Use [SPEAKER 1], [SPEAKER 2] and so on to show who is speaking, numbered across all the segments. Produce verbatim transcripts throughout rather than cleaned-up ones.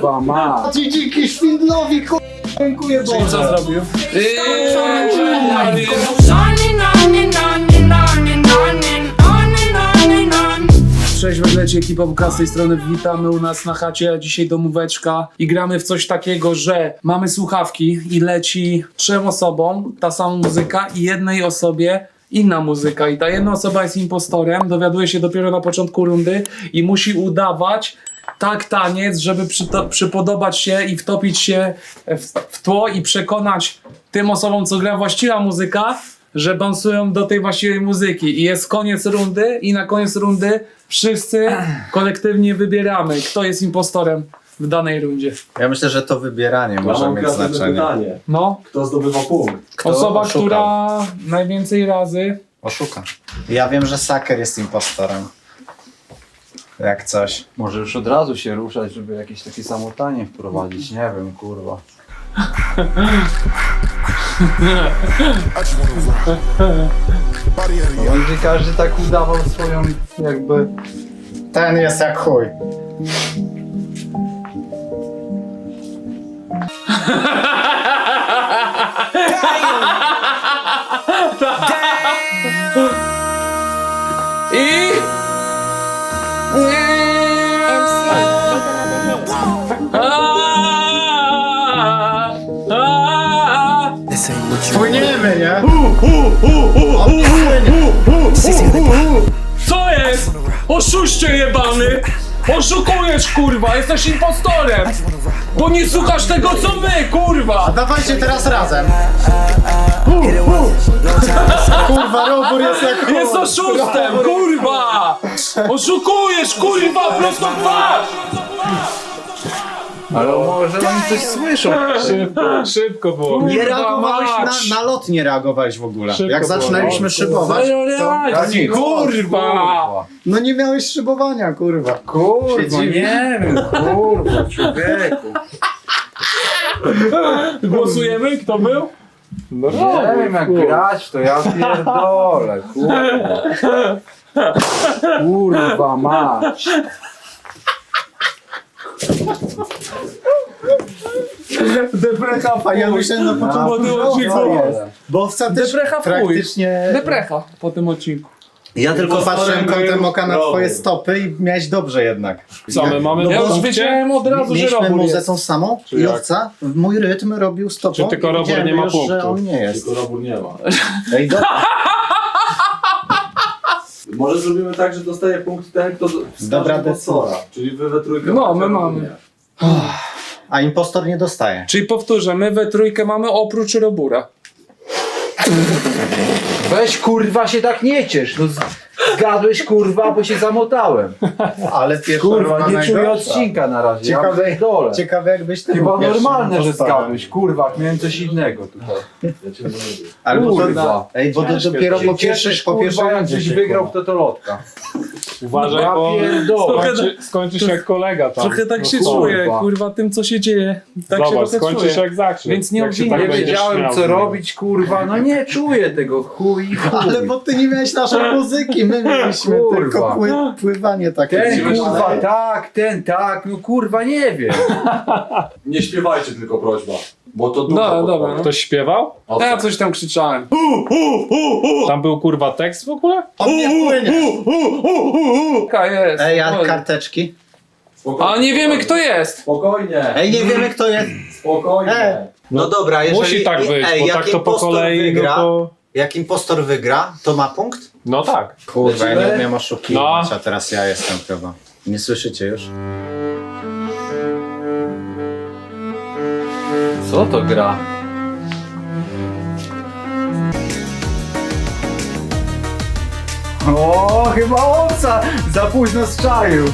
[SPEAKER 1] Kurwa ma.
[SPEAKER 2] Ci dziki szwindlowi, kurwa, dziękuję
[SPEAKER 1] Czyli co
[SPEAKER 2] Boże.
[SPEAKER 1] zrobił? Cześć, wyglecie ekipa Buka z tej strony, witamy u nas na chacie, dzisiaj domóweczka i gramy w coś takiego, że mamy słuchawki i leci trzem osobom ta sama muzyka i jednej osobie inna muzyka i ta jedna osoba jest impostorem, dowiaduje się dopiero na początku rundy i musi udawać tak taniec, żeby przyto- przypodobać się i wtopić się w, w tło i przekonać tym osobom, co gra właściwa muzyka, że dansują do tej właściwej muzyki. I jest koniec rundy i na koniec rundy wszyscy kolektywnie wybieramy, kto jest impostorem w danej rundzie.
[SPEAKER 2] Ja myślę, że to wybieranie może
[SPEAKER 3] mam
[SPEAKER 2] mieć
[SPEAKER 3] kreatywne
[SPEAKER 2] znaczenie.
[SPEAKER 3] pytanie.
[SPEAKER 1] No,
[SPEAKER 3] Kto zdobywa punkt?
[SPEAKER 2] Kto
[SPEAKER 1] osoba,
[SPEAKER 2] oszukał?
[SPEAKER 1] która najwięcej razy...
[SPEAKER 2] Oszuka. Ja wiem, że Saker jest impostorem. Jak coś.
[SPEAKER 4] Może już od razu się ruszać, żeby jakieś takie samotanie wprowadzić, nie wiem, kurwa. No, będzie każdy tak udawał swoją, jakby...
[SPEAKER 2] Ten jest jak chuj.
[SPEAKER 1] I... Aaaa! Aaaa!
[SPEAKER 2] Płyniemy, nie?
[SPEAKER 1] Co jest? Oszuście jebany! Oszukujesz, kurwa! Jesteś impostorem! Bo nie słuchasz tego, co my, kurwa!
[SPEAKER 2] Dawajcie teraz razem. Kurwa, robór jest jak chuj.
[SPEAKER 1] Jest oszustem, kurwa! Oszukujesz, kurwa, prosto w twarz!
[SPEAKER 4] Ale może oni coś słyszą.
[SPEAKER 1] Szybko, szybko było.
[SPEAKER 2] Nie reagowałeś na, na lot, nie reagowałeś w ogóle. Jak zaczynaliśmy szybować,
[SPEAKER 1] Reakcji, kurwa!
[SPEAKER 2] no nie miałeś szybowania, kurwa.
[SPEAKER 4] Kurwa, nie wiem, kurwa, człowieku.
[SPEAKER 1] Głosujemy? Kto był? No
[SPEAKER 4] Nie wiem jak grać, to ja pierdolę, kurwa. Kurwa mać.
[SPEAKER 2] Deprecha, a ja myślałem na początku,
[SPEAKER 1] Bo ty
[SPEAKER 2] że
[SPEAKER 1] odcinku
[SPEAKER 2] owca jest. Bo owca też
[SPEAKER 1] Deprecha w chuj.
[SPEAKER 2] praktycznie...
[SPEAKER 1] Deprecha po tym odcinku.
[SPEAKER 2] Ja tylko patrzyłem kątem oka na
[SPEAKER 3] Robór.
[SPEAKER 2] twoje stopy i miałeś dobrze jednak.
[SPEAKER 5] Co my mamy
[SPEAKER 2] No
[SPEAKER 1] Ja
[SPEAKER 2] bo
[SPEAKER 1] już wiedziałem od razu, że
[SPEAKER 2] Mieliśmy
[SPEAKER 1] robór
[SPEAKER 2] muzę
[SPEAKER 1] jest.
[SPEAKER 2] tą samą i
[SPEAKER 5] jak?
[SPEAKER 2] owca w mój rytm robił stopą.
[SPEAKER 5] Czy tylko
[SPEAKER 2] i
[SPEAKER 5] robór
[SPEAKER 2] wiedziałem
[SPEAKER 5] nie ma
[SPEAKER 2] już,
[SPEAKER 5] punktu?
[SPEAKER 2] że on nie jest.
[SPEAKER 3] Tylko robór nie ma.
[SPEAKER 2] Ej, dobra.
[SPEAKER 3] Może zrobimy tak, że dostaje punkt ten, kto wskaże
[SPEAKER 2] Dobra
[SPEAKER 3] impostora. Czyli wy we trójkę.
[SPEAKER 1] No, my
[SPEAKER 3] macie,
[SPEAKER 1] mamy.
[SPEAKER 3] nie.
[SPEAKER 2] A impostor nie dostaje.
[SPEAKER 1] Czyli powtórzę, my we trójkę mamy oprócz robura.
[SPEAKER 4] Weź kurwa się tak nie ciesz, no z- zgadłeś kurwa, bo się zamotałem.
[SPEAKER 2] Ale pierwsza
[SPEAKER 4] Kurwa,
[SPEAKER 2] runda
[SPEAKER 4] nie czuję
[SPEAKER 2] najgorsza.
[SPEAKER 4] odcinka na razie, ja
[SPEAKER 2] Ciekawe,
[SPEAKER 4] pierdolę.
[SPEAKER 2] ciekawe jakbyś ty
[SPEAKER 4] Chyba
[SPEAKER 2] był pierwszym
[SPEAKER 4] normalne, że
[SPEAKER 2] impostorem.
[SPEAKER 4] zgadłeś, kurwa, miałem coś innego tutaj.
[SPEAKER 3] Ja cię nie lubię.
[SPEAKER 2] Albo
[SPEAKER 4] Kurwa.
[SPEAKER 2] to, ej, bo to dopiero po pierwszej, po pierwszej
[SPEAKER 4] kurwa, jak
[SPEAKER 2] rundzie
[SPEAKER 4] gdzieś
[SPEAKER 2] się
[SPEAKER 4] wygrał,
[SPEAKER 2] kurwa.
[SPEAKER 4] to to lotka.
[SPEAKER 5] Uważaj,
[SPEAKER 4] Ja
[SPEAKER 5] bo
[SPEAKER 4] pierdolę.
[SPEAKER 5] skończy, skończysz jak kolega tam.
[SPEAKER 1] Trochę tak
[SPEAKER 5] No
[SPEAKER 1] się
[SPEAKER 5] kurwa.
[SPEAKER 1] czuję, kurwa, tym co się dzieje. Tak się
[SPEAKER 5] Zobacz,
[SPEAKER 1] trochę
[SPEAKER 5] skończysz
[SPEAKER 1] czuję.
[SPEAKER 5] jak zakrzyk.
[SPEAKER 1] Więc nie
[SPEAKER 5] jak się
[SPEAKER 1] obwiniaj.
[SPEAKER 4] Nie
[SPEAKER 5] będziesz
[SPEAKER 4] wiedziałem
[SPEAKER 5] śmiał z
[SPEAKER 4] co
[SPEAKER 5] niego.
[SPEAKER 4] robić, kurwa, no nie czuję tego, chuj i chuj.
[SPEAKER 2] Ale bo ty nie miałeś naszej muzyki, my mieliśmy
[SPEAKER 4] Kurwa.
[SPEAKER 2] tylko pły, pływanie takie.
[SPEAKER 4] Ten kurwa tak, ten tak, no kurwa nie wiem.
[SPEAKER 3] Nie śpiewajcie tylko, prośba. Bo to dużo
[SPEAKER 1] Dobra,
[SPEAKER 3] podpowie.
[SPEAKER 1] dobra, no.
[SPEAKER 5] Ktoś śpiewał?
[SPEAKER 3] Owca.
[SPEAKER 1] Ja coś tam krzyczałem.
[SPEAKER 5] Tam był kurwa tekst w ogóle?
[SPEAKER 2] On nie płynie.
[SPEAKER 1] Taka jest.
[SPEAKER 2] Ej, a
[SPEAKER 1] spokojnie.
[SPEAKER 2] karteczki?
[SPEAKER 3] Spokojnie,
[SPEAKER 1] A nie wiemy kto jest.
[SPEAKER 3] Spokojnie,
[SPEAKER 2] Ej, nie wiemy kto jest.
[SPEAKER 3] spokojnie.
[SPEAKER 2] Ej. No dobra, jeżeli...
[SPEAKER 5] Musi tak być,
[SPEAKER 2] ej,
[SPEAKER 5] bo
[SPEAKER 2] jak
[SPEAKER 5] tak to po
[SPEAKER 2] impostor
[SPEAKER 5] kolei,
[SPEAKER 2] wygra,
[SPEAKER 5] no to...
[SPEAKER 2] Jak impostor wygra, to ma punkt?
[SPEAKER 5] No tak.
[SPEAKER 2] Kurwa, ja nie
[SPEAKER 3] Lecimy?
[SPEAKER 2] umiem oszukiwać,
[SPEAKER 5] No.
[SPEAKER 2] a teraz ja jestem chyba. Nie słyszycie już?
[SPEAKER 4] Co to gra? O, chyba owca za późno strzaił.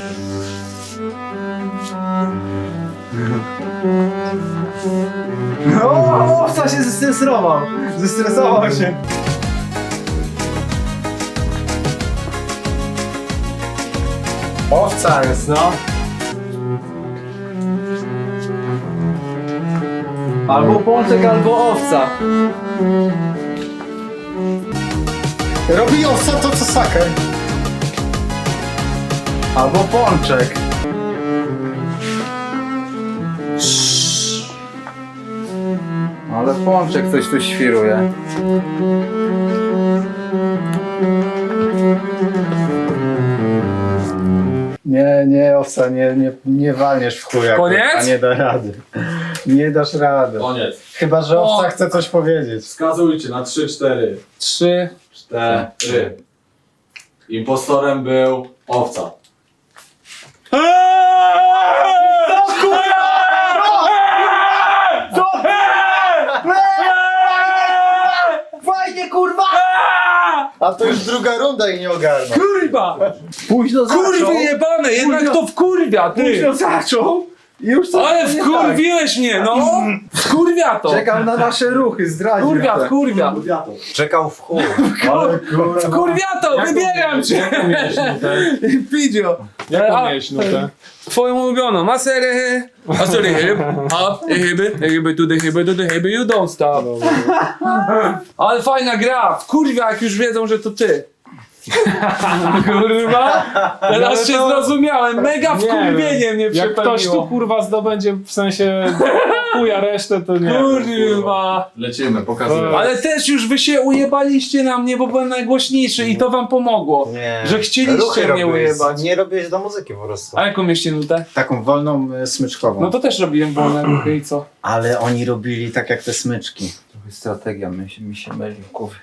[SPEAKER 4] O, owca się zestresował. Zestresował się.
[SPEAKER 2] Owca jest, no.
[SPEAKER 4] Albo pączek, albo owca.
[SPEAKER 2] Robi owca to co Saker.
[SPEAKER 4] Albo pączek. Ale Pączek coś tu świruje.
[SPEAKER 2] Nie, nie, owca, nie, nie, nie walniesz w chuja.
[SPEAKER 1] Koniec?
[SPEAKER 2] kurwa, nie da rady. Nie dasz rady.
[SPEAKER 3] Koniec.
[SPEAKER 2] Chyba, że owca
[SPEAKER 1] O.
[SPEAKER 2] chce coś powiedzieć.
[SPEAKER 3] Wskazujcie na trzy, cztery.
[SPEAKER 1] Trzy.
[SPEAKER 3] Cztery. Impostorem był owca.
[SPEAKER 4] Fajnie, kurwa!
[SPEAKER 2] A to już druga runda i nie ogarnął.
[SPEAKER 1] Kurwa!
[SPEAKER 4] Późno zaczął.
[SPEAKER 1] Kurwy jebane, jednak
[SPEAKER 4] Późno-
[SPEAKER 1] to wkurwia, ty!
[SPEAKER 4] Późno zaczął. I już coś
[SPEAKER 1] Ale
[SPEAKER 4] nie
[SPEAKER 1] wkurwiłeś mnie, no! Wkurwia to!
[SPEAKER 4] tak. Czekam na nasze ruchy, zdradził.
[SPEAKER 1] Kurwia,
[SPEAKER 4] te.
[SPEAKER 1] wkurwia!
[SPEAKER 3] Wiatr.
[SPEAKER 2] Czekał w chuj. Ale kurwa.
[SPEAKER 1] Wkurwia to, wybieram cię!
[SPEAKER 5] Jaką miałeś nutę?
[SPEAKER 1] Pidzio!
[SPEAKER 5] Jaką
[SPEAKER 1] A,
[SPEAKER 5] miałeś nutę?
[SPEAKER 1] Twoją ulubioną, maserę, a sorry, hyb, up, hyby, hyby, to the hyby, to the hyby, you don't stop. Ale fajna gra, kurwa, jak już wiedzą, że to ty. Kurwa, teraz się zrozumiałem, mega wkurwienie mnie
[SPEAKER 5] Jak ktoś tu
[SPEAKER 1] przepełniło.
[SPEAKER 5] kurwa zdobędzie w sensie chuja resztę, to nie.
[SPEAKER 1] Kurwa.
[SPEAKER 3] Lecimy, pokazuję.
[SPEAKER 1] Ale też już wy się ujebaliście na mnie, bo byłem najgłośniejszy i to wam pomogło.
[SPEAKER 2] Nie.
[SPEAKER 1] Że chcieliście
[SPEAKER 2] Ruchy
[SPEAKER 1] mnie
[SPEAKER 2] robiłeś.
[SPEAKER 1] ujebać.
[SPEAKER 2] Nie robiłeś do muzyki po prostu.
[SPEAKER 1] A jaką mieście nutę?
[SPEAKER 2] Taką wolną, y, smyczkową.
[SPEAKER 1] No to też robiłem wolne ruchy i co?
[SPEAKER 2] Ale oni robili tak jak te smyczki.
[SPEAKER 4] Trochę strategia mi się, mi się myli w głowie.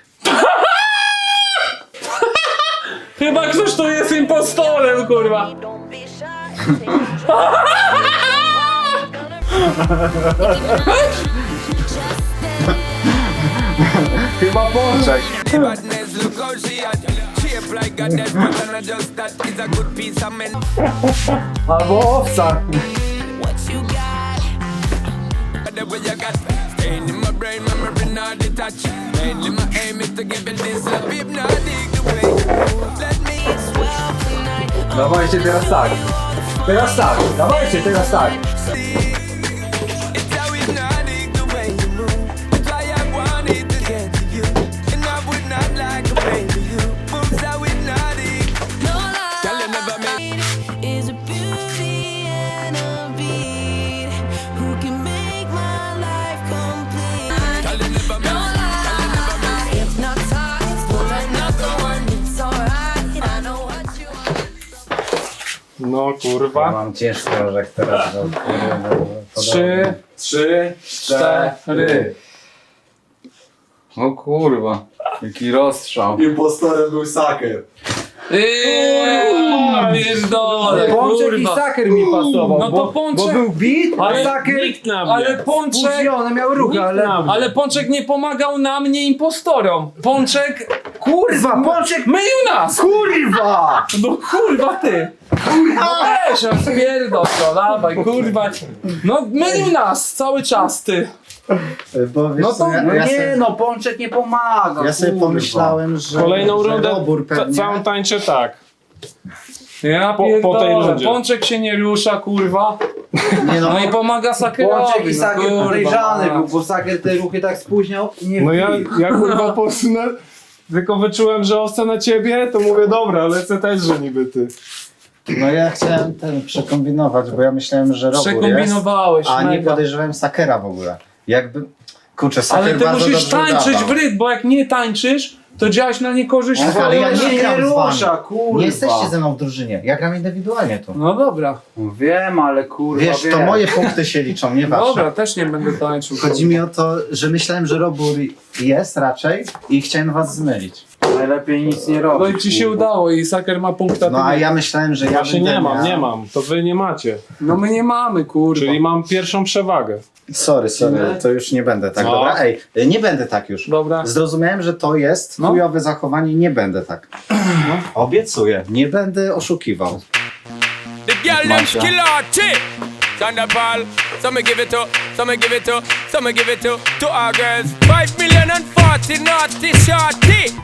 [SPEAKER 1] Chyba ktoś tu jest impostorem, kurwa.
[SPEAKER 6] Don't be shy. Take control.
[SPEAKER 4] Chyba Pączek.
[SPEAKER 7] Badness, look how she at. Shape like a dead but and I just that is a good piece of men.
[SPEAKER 4] Albo owca.
[SPEAKER 6] What you got?
[SPEAKER 7] The way you got staying in my brain, memory not detached. Mainly my aim is to give it this love, hypnotic the way. Let me
[SPEAKER 6] Well tonight.
[SPEAKER 4] Dawajcie teraz tak. Teraz tak. Dawajcie teraz tak.
[SPEAKER 7] it's how hypnotic the way you move. That's why I wanted to get to you, and I would not like to pay for you. Moves how hypnotic.
[SPEAKER 6] No
[SPEAKER 7] Girl, you never make.
[SPEAKER 6] lie is a beauty and a beat. Who can make my life complete?
[SPEAKER 7] Girl, you never
[SPEAKER 6] No
[SPEAKER 7] make.
[SPEAKER 6] lie, hypnotized, but another one. It's alright. I know what you want.
[SPEAKER 5] No
[SPEAKER 2] Ja
[SPEAKER 5] kurwa.
[SPEAKER 2] mam ciężki orzech teraz. Bo, kurwa,
[SPEAKER 1] Trzy,
[SPEAKER 3] Trzy, cztery.
[SPEAKER 1] cztery.
[SPEAKER 4] O kurwa. Jaki rozstrzał.
[SPEAKER 3] Impostorem był Saker.
[SPEAKER 1] Eee, pierdolę,
[SPEAKER 4] Pączek i
[SPEAKER 1] kurwa.
[SPEAKER 4] Saker mi pasował.
[SPEAKER 1] No to
[SPEAKER 4] bo,
[SPEAKER 1] Pączek-
[SPEAKER 4] Bo był beat,
[SPEAKER 1] Ale
[SPEAKER 4] ale Saker
[SPEAKER 5] Nikt na mnie.
[SPEAKER 1] Ale Pączek,
[SPEAKER 4] spóźnione miał ruchy,
[SPEAKER 5] Nikt
[SPEAKER 4] ale...
[SPEAKER 5] na mnie.
[SPEAKER 1] ale Pączek nie pomagał nam, nie impostorom. Pączek,
[SPEAKER 4] Kurwa, Pączek...
[SPEAKER 1] mylił nas.
[SPEAKER 4] Kurwa!
[SPEAKER 1] No kurwa ty. No weź, a spierdol to, dawaj, kurwa. No mylił nas cały czas, ty.
[SPEAKER 2] Bo wiesz,
[SPEAKER 1] No
[SPEAKER 2] co,
[SPEAKER 1] to-
[SPEAKER 2] ja,
[SPEAKER 4] No
[SPEAKER 2] ja,
[SPEAKER 4] nie
[SPEAKER 2] sobie,
[SPEAKER 4] no, Pączek nie pomaga.
[SPEAKER 2] ja sobie
[SPEAKER 4] kurwa.
[SPEAKER 2] pomyślałem, że,
[SPEAKER 5] Kolejną
[SPEAKER 2] że
[SPEAKER 5] rundę
[SPEAKER 2] Robór
[SPEAKER 5] ta,
[SPEAKER 2] pewnie...
[SPEAKER 5] całą tańczę tak.
[SPEAKER 1] Ja
[SPEAKER 5] Po- po tej
[SPEAKER 1] pierdolę,
[SPEAKER 5] rundzie.
[SPEAKER 1] Pączek się nie rusza, kurwa.
[SPEAKER 2] Nie no,
[SPEAKER 1] No i pomaga Sakerowi.
[SPEAKER 4] Pączek i
[SPEAKER 1] no
[SPEAKER 4] Saker
[SPEAKER 1] kurwa.
[SPEAKER 4] podejrzany był, bo Saker te ruchy tak spóźniał i nie
[SPEAKER 5] No ja,
[SPEAKER 4] wbił.
[SPEAKER 5] ja kurwa posunę. Tylko wyczułem, że owca na ciebie, to mówię dobra, lecę też, że niby ty.
[SPEAKER 2] no ja chciałem ten przekombinować, bo ja myślałem, że Robór jest,
[SPEAKER 1] Przekombinowałeś,
[SPEAKER 2] a nie
[SPEAKER 1] mega.
[SPEAKER 2] podejrzewałem Sakera w ogóle. Jakby... Kurczę, Saker
[SPEAKER 1] Ale ty
[SPEAKER 2] bardzo
[SPEAKER 1] musisz
[SPEAKER 2] dobrze
[SPEAKER 1] tańczyć
[SPEAKER 2] udawał.
[SPEAKER 1] w rytm, bo jak nie tańczysz, to działaś na niekorzyść
[SPEAKER 2] Ach, ale ja
[SPEAKER 1] swojego-
[SPEAKER 2] nie
[SPEAKER 4] nie
[SPEAKER 2] gram z wami.
[SPEAKER 4] rusza, kurwa.
[SPEAKER 2] Nie jesteście ze mną w drużynie, ja gram indywidualnie tu.
[SPEAKER 1] No dobra,
[SPEAKER 4] Wiem, ale kurwa
[SPEAKER 2] Wiesz, to
[SPEAKER 4] wiem.
[SPEAKER 2] moje punkty się liczą, nie wasze.
[SPEAKER 1] dobra, też nie będę tańczył.
[SPEAKER 2] Chodzi mi o to, że myślałem, że Robór jest raczej i chciałem was zmylić.
[SPEAKER 4] Najlepiej nic nie robić.
[SPEAKER 1] No i ci się
[SPEAKER 4] kurwa.
[SPEAKER 1] udało i Saker ma punkt, a ty
[SPEAKER 2] No a
[SPEAKER 1] nie.
[SPEAKER 2] ja myślałem, że ja
[SPEAKER 5] Właśnie
[SPEAKER 2] będę
[SPEAKER 5] nie mam,
[SPEAKER 2] miał...
[SPEAKER 5] nie mam. To wy nie macie.
[SPEAKER 1] No my nie mamy, kurwa.
[SPEAKER 5] Czyli mam pierwszą przewagę.
[SPEAKER 2] Sorry, sorry, to już nie będę tak.
[SPEAKER 5] No.
[SPEAKER 2] Dobra, ej, nie będę tak już.
[SPEAKER 1] Dobra.
[SPEAKER 2] Zrozumiałem, że to jest
[SPEAKER 1] No.
[SPEAKER 2] chujowe zachowanie, nie będę tak. Obiecuję, nie będę oszukiwał.
[SPEAKER 7] The girl them skill out chick. Thunderball, some me give it to, some me give it to, some me give it to, to our girls. Five million and forty naughty shorty.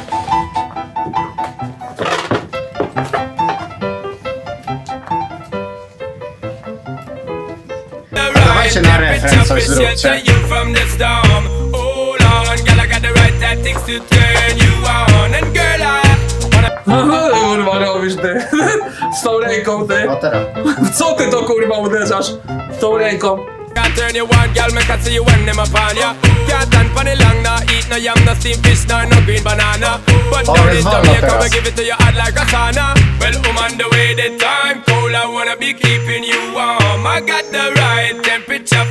[SPEAKER 2] Dawajcie na refren, coś zróbcie.
[SPEAKER 7] You from the storm. Hold on, girl, I got the right tactics to turn you on. And girl, I
[SPEAKER 1] Kurwa robisz ty. Z tą ręką ty.
[SPEAKER 2] No teraz.
[SPEAKER 1] Co ty to kurwa uderzasz? Z tą ręką.
[SPEAKER 7] got turn you on, girl, make I see you when them upon ya. Can't stand for the long, nah eat no yam, no steamed fish, nah no green banana. But
[SPEAKER 2] Oh,
[SPEAKER 7] down
[SPEAKER 2] it's
[SPEAKER 7] in
[SPEAKER 2] hot
[SPEAKER 7] Jamaica,
[SPEAKER 2] up
[SPEAKER 7] we
[SPEAKER 2] there.
[SPEAKER 7] give it to you hot like a sauna. Well, I'm on the way, the time cold, I wanna be keeping you warm. I got the right temperature.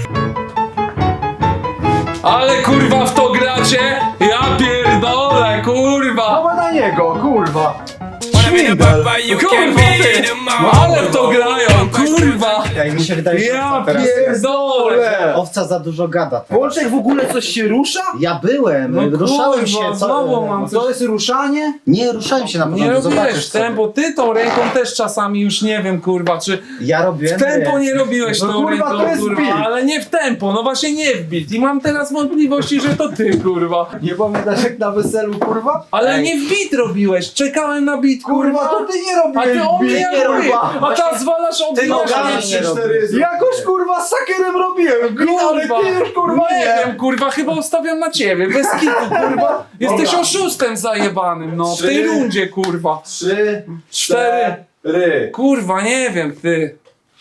[SPEAKER 1] Ale kurwa w to gracie? Ja pierdolę, kurwa!
[SPEAKER 4] No na niego, kurwa.
[SPEAKER 7] Wanna be the papa, you can
[SPEAKER 1] Kurwa
[SPEAKER 7] be
[SPEAKER 1] ty!
[SPEAKER 7] the
[SPEAKER 1] No
[SPEAKER 7] mom.
[SPEAKER 1] ale w to grają, kurwa!
[SPEAKER 2] Ja mi się wydaje, że
[SPEAKER 1] Ja
[SPEAKER 2] teraz
[SPEAKER 1] pierdolę!
[SPEAKER 2] owca za dużo gada teraz.
[SPEAKER 4] Pączek w ogóle coś się rusza?
[SPEAKER 2] Ja byłem,
[SPEAKER 1] No
[SPEAKER 2] ruszałem
[SPEAKER 1] kurwa,
[SPEAKER 2] się. Co,
[SPEAKER 1] znowu mam
[SPEAKER 4] No to jest ruszanie?
[SPEAKER 2] Nie, ruszałem się na
[SPEAKER 1] Nie
[SPEAKER 2] początku, zobaczysz
[SPEAKER 1] robiłeś
[SPEAKER 2] sobie.
[SPEAKER 1] tempo, ty tą ręką też czasami już nie wiem, kurwa, czy
[SPEAKER 2] Ja
[SPEAKER 1] w
[SPEAKER 2] robiłem.
[SPEAKER 1] tempo nie robiłeś
[SPEAKER 4] No
[SPEAKER 1] tą
[SPEAKER 4] kurwa,
[SPEAKER 1] ręką,
[SPEAKER 4] to jest
[SPEAKER 1] kurwa,
[SPEAKER 4] beat.
[SPEAKER 1] ale nie w tempo, no właśnie nie w beat i mam teraz wątpliwości, że to ty, kurwa.
[SPEAKER 4] Nie pamiętasz jak na weselu, kurwa?
[SPEAKER 1] Ale
[SPEAKER 2] Ej.
[SPEAKER 1] nie w beat robiłeś, czekałem na beat, kurwa.
[SPEAKER 4] Kurwa, to ty nie
[SPEAKER 1] A
[SPEAKER 4] robiłeś
[SPEAKER 1] ty o mnie
[SPEAKER 4] beat,
[SPEAKER 1] nie robisz,
[SPEAKER 4] kurwa.
[SPEAKER 1] a teraz zwalasz o
[SPEAKER 2] Ty nogami
[SPEAKER 1] mnie.
[SPEAKER 2] nie robisz.
[SPEAKER 4] Jakoś kurwa z sakerem robiłem, beat, ale ty już kurwa
[SPEAKER 1] nie
[SPEAKER 4] nie.
[SPEAKER 1] wiem, kurwa, chyba ustawiam na ciebie, bez kitu, kurwa. Jesteś
[SPEAKER 3] Dobra.
[SPEAKER 1] oszustem zajebanym, no, w
[SPEAKER 3] Trzy.
[SPEAKER 1] tej rundzie, kurwa.
[SPEAKER 3] Trzy,
[SPEAKER 1] Cztery.
[SPEAKER 3] cztery.
[SPEAKER 1] Kurwa, nie wiem, ty.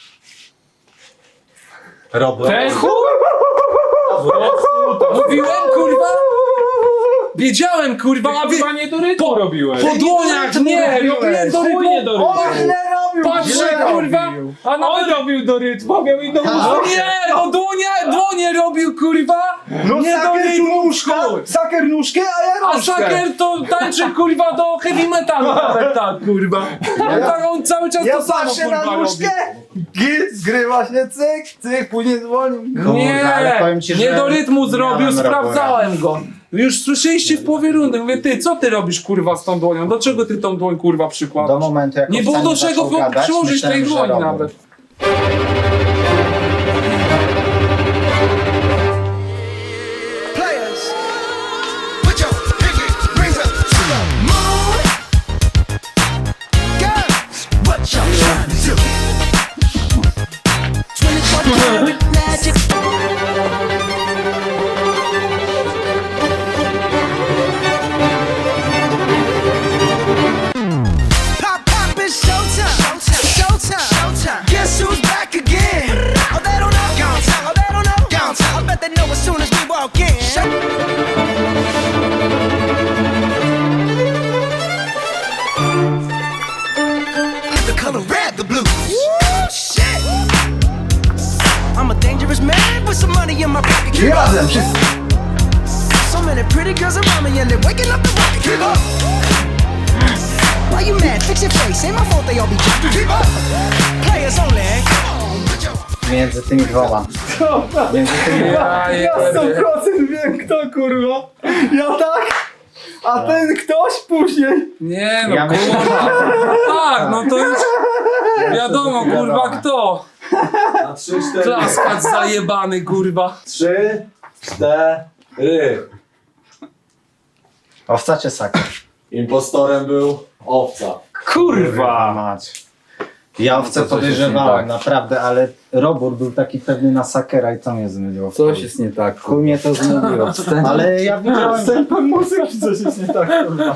[SPEAKER 2] Robert.
[SPEAKER 5] Ten chuj!
[SPEAKER 1] Mówiłem, kurwa? Wiedziałem, kurwa, a wy...
[SPEAKER 5] Chyba nie do rytmu robiłeś.
[SPEAKER 1] Po dłoniach, nie, robiłem do
[SPEAKER 5] Chuj nie do
[SPEAKER 1] rytmu.
[SPEAKER 5] rytmu.
[SPEAKER 4] On źle robił,
[SPEAKER 1] Patrzę,
[SPEAKER 4] źle
[SPEAKER 1] kurwa,
[SPEAKER 4] robił.
[SPEAKER 1] a
[SPEAKER 5] On
[SPEAKER 1] nawet...
[SPEAKER 5] robił do rytmu, a miał i do
[SPEAKER 1] O nie, no dłonie, dłonie robił, kurwa.
[SPEAKER 4] No
[SPEAKER 1] Nie do
[SPEAKER 4] saker tu
[SPEAKER 1] rytmu,
[SPEAKER 4] nóżkę,
[SPEAKER 1] chuj.
[SPEAKER 4] saker nóżkę, a ja
[SPEAKER 1] A
[SPEAKER 4] nóżkę.
[SPEAKER 1] Saker to tańczy, kurwa, do heavy metalu nawet tak, kurwa. Ja, tak, on cały czas
[SPEAKER 4] Ja
[SPEAKER 1] to samo,
[SPEAKER 4] patrzę na
[SPEAKER 1] kurwa, robi.
[SPEAKER 4] nóżkę, git, zgrywa się, cyk, cyk, później dzwoni.
[SPEAKER 1] Nie,
[SPEAKER 2] ale powiem ci,
[SPEAKER 1] nie
[SPEAKER 2] że
[SPEAKER 1] do rytmu zrobił,
[SPEAKER 2] miałem
[SPEAKER 1] sprawdzałem go. Już słyszeliście w połowie rundy, mówię, ty, co ty robisz, kurwa, z tą dłonią? Do czego ty tą dłoń, kurwa,
[SPEAKER 2] Do
[SPEAKER 1] przykładasz?
[SPEAKER 2] momentu, jak
[SPEAKER 1] Nie
[SPEAKER 2] owca
[SPEAKER 1] było do
[SPEAKER 2] zaczął
[SPEAKER 1] czego
[SPEAKER 2] gadać,
[SPEAKER 1] przyłożyć tej
[SPEAKER 2] myślałem, że
[SPEAKER 1] dłoni
[SPEAKER 2] Robert.
[SPEAKER 1] nawet.
[SPEAKER 8] Players, put your pinky rings up to the moon. Girls, what y'all trying to do? twenty-four karat magic. Pop, pop, it's showtime. Showtime. Showtime. Guess who's back again? Oh, they don't know. Oh, they don't know. I bet they know as soon as we walk in. The color red, the blue. Woo, shit. I'm a dangerous man with some money in my pocket. Keep up.
[SPEAKER 4] Razem, wszyscy.
[SPEAKER 8] So many pretty girls around me and they're waking up the rocket. Keep up. Why you mad? Fix your face. Ain't my fault they all be jacking. Keep up. Players only. Come on, put your
[SPEAKER 2] Między tymi dwoma. Między tymi
[SPEAKER 1] Ja,
[SPEAKER 4] Ja sto procent wiem kto, kurwa. Ja tak, a ten ktoś później.
[SPEAKER 1] Nie no,
[SPEAKER 2] Ja myślę,
[SPEAKER 1] kurwa. Tak, no to już wiadomo, kurwa, kto.
[SPEAKER 3] Na trzy, cztery.
[SPEAKER 1] Klaskacz zajebany, kurwa.
[SPEAKER 3] Trzy, cztery.
[SPEAKER 2] Owca czy saker?
[SPEAKER 3] Impostorem był owca.
[SPEAKER 4] Kurwa.
[SPEAKER 2] Mać. Ja owce
[SPEAKER 4] No to coś jest
[SPEAKER 2] podejrzewałem,
[SPEAKER 4] nie tak.
[SPEAKER 2] naprawdę, ale Robur był taki pewny na sakera i to mnie zmyliło. w
[SPEAKER 4] Coś
[SPEAKER 2] chuj.
[SPEAKER 4] jest nie tak,
[SPEAKER 2] Chuj mnie to zmyliło. Ale ja widziałem...
[SPEAKER 4] Tempem muzyki coś jest nie tak, kurwa.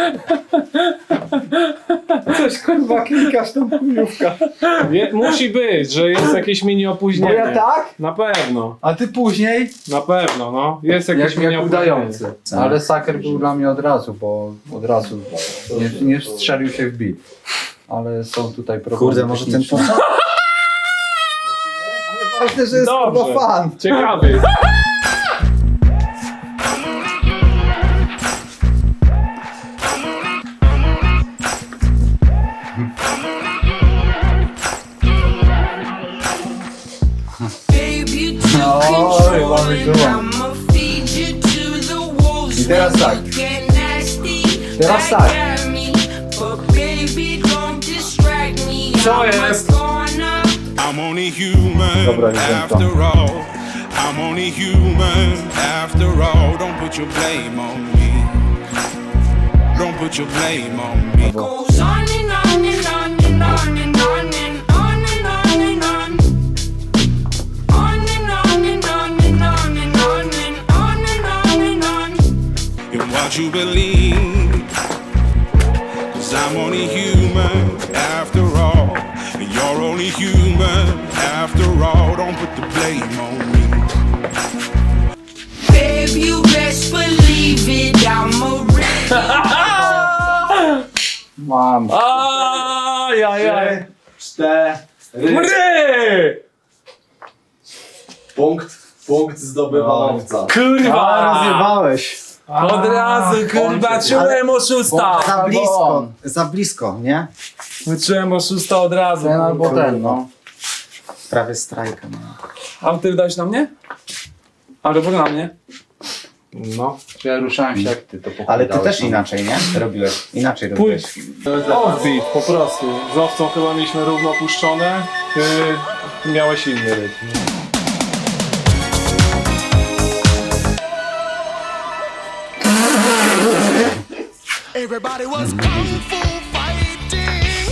[SPEAKER 4] Coś kurwa klikasz tą chujówkę.
[SPEAKER 5] Nie, musi być, że jest jakieś mini
[SPEAKER 4] Bo
[SPEAKER 5] opóźnienie.
[SPEAKER 4] ja tak,
[SPEAKER 5] Na pewno,
[SPEAKER 4] a ty później.
[SPEAKER 5] na pewno, no. Jest jakieś
[SPEAKER 4] Jak,
[SPEAKER 5] mini
[SPEAKER 4] jak
[SPEAKER 5] opóźnienie.
[SPEAKER 4] udający. Ale saker był dla mnie od razu, bo od razu nie, nie strzelił się w bit. Ale są tutaj problemy.
[SPEAKER 2] Kurde, może ten
[SPEAKER 4] techniczne.
[SPEAKER 2] początek...
[SPEAKER 4] Ważne, że jest
[SPEAKER 5] Dobrze.
[SPEAKER 4] kurwa fan.
[SPEAKER 5] Ciekawy.
[SPEAKER 6] Baby, to
[SPEAKER 4] No,
[SPEAKER 6] control
[SPEAKER 4] mamy
[SPEAKER 6] it.
[SPEAKER 4] tu.
[SPEAKER 6] I'ma feed you to the wolves.
[SPEAKER 4] I teraz tak.
[SPEAKER 6] Get nasty,
[SPEAKER 4] Teraz
[SPEAKER 6] like
[SPEAKER 4] tak.
[SPEAKER 6] Jeremy. But baby, don't distract me.
[SPEAKER 5] Co
[SPEAKER 6] I'm a
[SPEAKER 5] jest?
[SPEAKER 6] goner.
[SPEAKER 9] I'm only human
[SPEAKER 4] Dobra, już wiem to.
[SPEAKER 9] after all. I'm only human after all. Don't put your blame on me. Don't put your blame on me.
[SPEAKER 6] Goes on and on and on and on and on and on and on and on. On and on and on and on and on and on and on and on.
[SPEAKER 9] In what you believe. Cause I'm only human after all. And you're only only human after all. Don't put the blame on me.
[SPEAKER 6] Babe, you best believe it, I'm a real.
[SPEAKER 4] Mam.
[SPEAKER 1] Ajajaj.
[SPEAKER 3] Cztery.
[SPEAKER 1] Mry!
[SPEAKER 3] Punkt, punkt zdobywa owca.
[SPEAKER 2] A,
[SPEAKER 1] Kurwa!
[SPEAKER 2] rozjebałeś.
[SPEAKER 1] Od razu, kurwa, czułem oszusta!
[SPEAKER 2] Za blisko, za blisko, nie?
[SPEAKER 1] Czułem oszusta od razu.
[SPEAKER 4] Ten albo
[SPEAKER 1] kurwa.
[SPEAKER 4] ten, no.
[SPEAKER 2] Prawie strajka. No.
[SPEAKER 1] A ty dałeś na mnie? A robór na mnie?
[SPEAKER 5] No.
[SPEAKER 4] Czy ja ruszałem się jak ty, to pochudałeś.
[SPEAKER 2] Ale ty też inaczej, nie? Robiłeś. Inaczej robiłeś.
[SPEAKER 5] Offbeat, po prostu. Z owcą chyba mieliśmy równo puszczone. Ty miałeś inny rytm.
[SPEAKER 8] Everybody was kung fu fighting.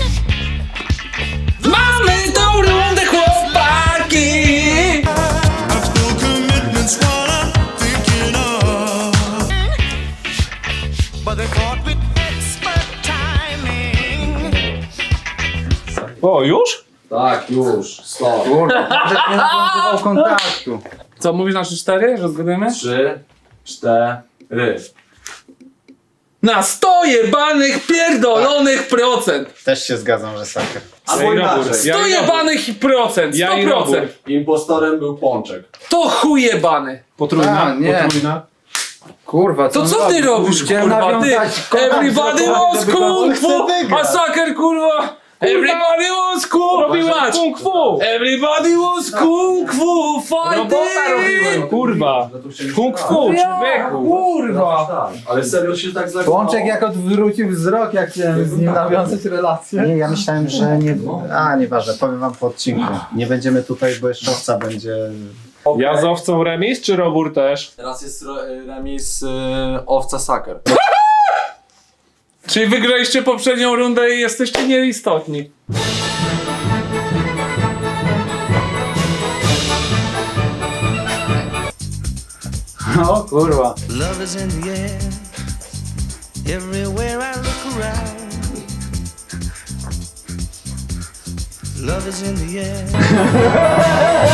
[SPEAKER 1] Mamy tą rundę, chłopaki!
[SPEAKER 9] Still commitment's what I'm thinking of.
[SPEAKER 8] But they fought with expert timing.
[SPEAKER 5] O, już?
[SPEAKER 3] Tak, już. Stop.
[SPEAKER 4] Kurwa, że nie nawiązywał kontaktu.
[SPEAKER 1] Co, mówisz na trzy cztery, że zgadujemy?
[SPEAKER 3] Trzy, cztery.
[SPEAKER 1] Na sto jebanych pierdolonych procent!
[SPEAKER 2] Też się zgadzam, że saker.
[SPEAKER 3] Albo inaczej.
[SPEAKER 1] sto jebanych procent!
[SPEAKER 5] Ja
[SPEAKER 1] sto
[SPEAKER 5] i robór.
[SPEAKER 1] procent!
[SPEAKER 3] Impostorem był Pączek.
[SPEAKER 1] To chuj jebany!
[SPEAKER 5] Potrójna?
[SPEAKER 4] A, nie.
[SPEAKER 5] Potrójna?
[SPEAKER 4] Kurwa,
[SPEAKER 1] To
[SPEAKER 4] on
[SPEAKER 1] co ty
[SPEAKER 4] robi?
[SPEAKER 1] robisz,
[SPEAKER 4] Chciałem
[SPEAKER 1] kurwa, ty?
[SPEAKER 4] nawiązać kontakt,
[SPEAKER 1] Everybody
[SPEAKER 4] żeby
[SPEAKER 1] wants
[SPEAKER 4] go-
[SPEAKER 1] kung
[SPEAKER 2] chce
[SPEAKER 1] fu!
[SPEAKER 2] wygrać.
[SPEAKER 1] A saker, kurwa! Everybody wants kung
[SPEAKER 5] Robiłeś kung fu!
[SPEAKER 1] Everybody wants kung fu
[SPEAKER 5] Robota robiłem,
[SPEAKER 1] fighting!
[SPEAKER 5] kurwa! Kung fu, człowieku!
[SPEAKER 1] Kurwa!
[SPEAKER 3] Tak, ale serio się tak zakochało.
[SPEAKER 4] Pączek jak odwrócił wzrok, jak chciałem z nim nawiązać relację.
[SPEAKER 2] Nie, ja myślałem, że nie... A, nieważne, powiem wam po odcinku. Nie będziemy tutaj, bo jeszcze owca będzie...
[SPEAKER 5] Ja z owcą remis, czy robór też?
[SPEAKER 3] Teraz jest ro- remis y, owca Saker.
[SPEAKER 1] Czyli wygraliście poprzednią rundę i jesteście nieistotni.
[SPEAKER 4] O kurwa.
[SPEAKER 8] Love is in the air. Everywhere I look around. Love is in the air.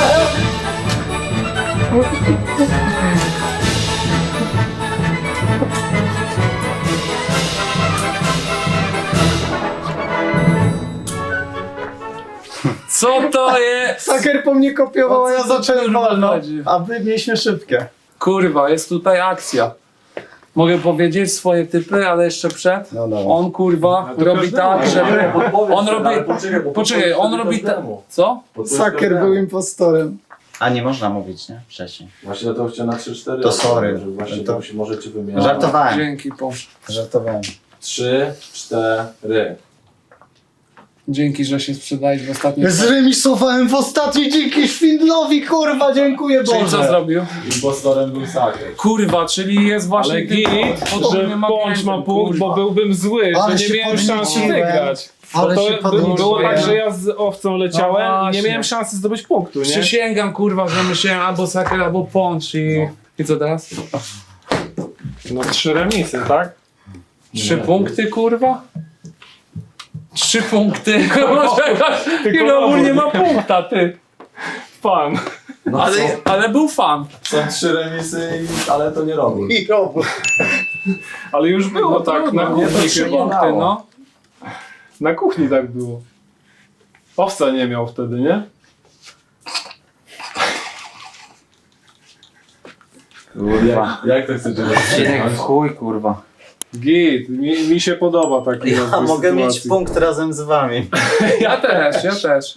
[SPEAKER 1] Co to jest?
[SPEAKER 2] Saker po mnie kopiował, a
[SPEAKER 1] O co
[SPEAKER 2] ja
[SPEAKER 1] tu,
[SPEAKER 2] zacząłem
[SPEAKER 1] kurwa,
[SPEAKER 2] wolno.
[SPEAKER 1] chodzi?
[SPEAKER 2] A my mieliśmy szybkie.
[SPEAKER 1] Kurwa, jest tutaj akcja. Mogę powiedzieć swoje typy, ale jeszcze przed.
[SPEAKER 2] No dobra.
[SPEAKER 1] On kurwa
[SPEAKER 5] to
[SPEAKER 1] robi
[SPEAKER 5] każdemu.
[SPEAKER 1] tak, żeby... On robi...
[SPEAKER 3] Poczekaj, bo
[SPEAKER 1] Poczekaj, on robi tak... Co?
[SPEAKER 2] Saker był impostorem. A nie można mówić, nie? Wcześniej.
[SPEAKER 3] Właśnie to chciałem na trzy cztery.
[SPEAKER 2] To sorry.
[SPEAKER 3] Właśnie
[SPEAKER 2] To-
[SPEAKER 3] to się możecie wymieniać.
[SPEAKER 2] Żartowałem,
[SPEAKER 1] Dzięki, Posz.
[SPEAKER 2] żartowałem.
[SPEAKER 3] trzy, cztery.
[SPEAKER 1] Dzięki, że się sprzedałeś w ostatnim...
[SPEAKER 2] Zremisowałem w ostatniej dzięki Szwindlowi, kurwa, dziękuję
[SPEAKER 1] Czyli co
[SPEAKER 2] Boże.
[SPEAKER 1] zrobił?
[SPEAKER 3] Impostorem był Saker.
[SPEAKER 1] Kurwa, czyli jest właśnie...
[SPEAKER 5] Ale
[SPEAKER 1] tym-
[SPEAKER 5] git,
[SPEAKER 1] podobnym
[SPEAKER 5] że Pącz ma
[SPEAKER 1] agentem,
[SPEAKER 5] punkt, bo
[SPEAKER 1] kurwa.
[SPEAKER 5] byłbym zły,
[SPEAKER 2] Ale
[SPEAKER 5] że
[SPEAKER 2] się
[SPEAKER 5] nie miałem szansy
[SPEAKER 2] podnieciłem.
[SPEAKER 5] wygrać. Bo
[SPEAKER 2] Ale
[SPEAKER 5] to
[SPEAKER 2] się
[SPEAKER 5] by-
[SPEAKER 2] podnieciłem.
[SPEAKER 5] było tak, że ja z owcą leciałem
[SPEAKER 1] No
[SPEAKER 5] i nie
[SPEAKER 1] właśnie.
[SPEAKER 5] miałem szansy zdobyć punktu, nie?
[SPEAKER 1] Przysięgam, kurwa, że myślałem albo Saker, albo Pącz i... I co teraz?
[SPEAKER 5] No trzy remisy, tak?
[SPEAKER 1] Trzy punkty, kurwa? Trzy punkty. I
[SPEAKER 5] Tylko
[SPEAKER 1] Robór nie ma
[SPEAKER 5] Robór.
[SPEAKER 1] punkta, ty.
[SPEAKER 5] Fan.
[SPEAKER 3] No
[SPEAKER 1] Ale, ale był fan.
[SPEAKER 3] są, są trzy remisy, i- ale to nie robi.
[SPEAKER 2] I robór.
[SPEAKER 5] Ale już było
[SPEAKER 1] No
[SPEAKER 5] tak,
[SPEAKER 1] trudno,
[SPEAKER 5] na
[SPEAKER 1] nie, to
[SPEAKER 5] kuchni
[SPEAKER 1] trzy
[SPEAKER 5] chyba.
[SPEAKER 1] punkty, no.
[SPEAKER 5] Na kuchni tak było. Owca nie miał wtedy, nie?
[SPEAKER 2] Kurwa.
[SPEAKER 3] Jak, jak to chcecie
[SPEAKER 4] Cinek w chuj, kurwa.
[SPEAKER 5] Git, mi, mi się podoba taki
[SPEAKER 2] Ja
[SPEAKER 5] rozwój
[SPEAKER 2] mogę mieć
[SPEAKER 5] sytuacji.
[SPEAKER 2] punkt razem z wami.
[SPEAKER 1] Ja też, ja też.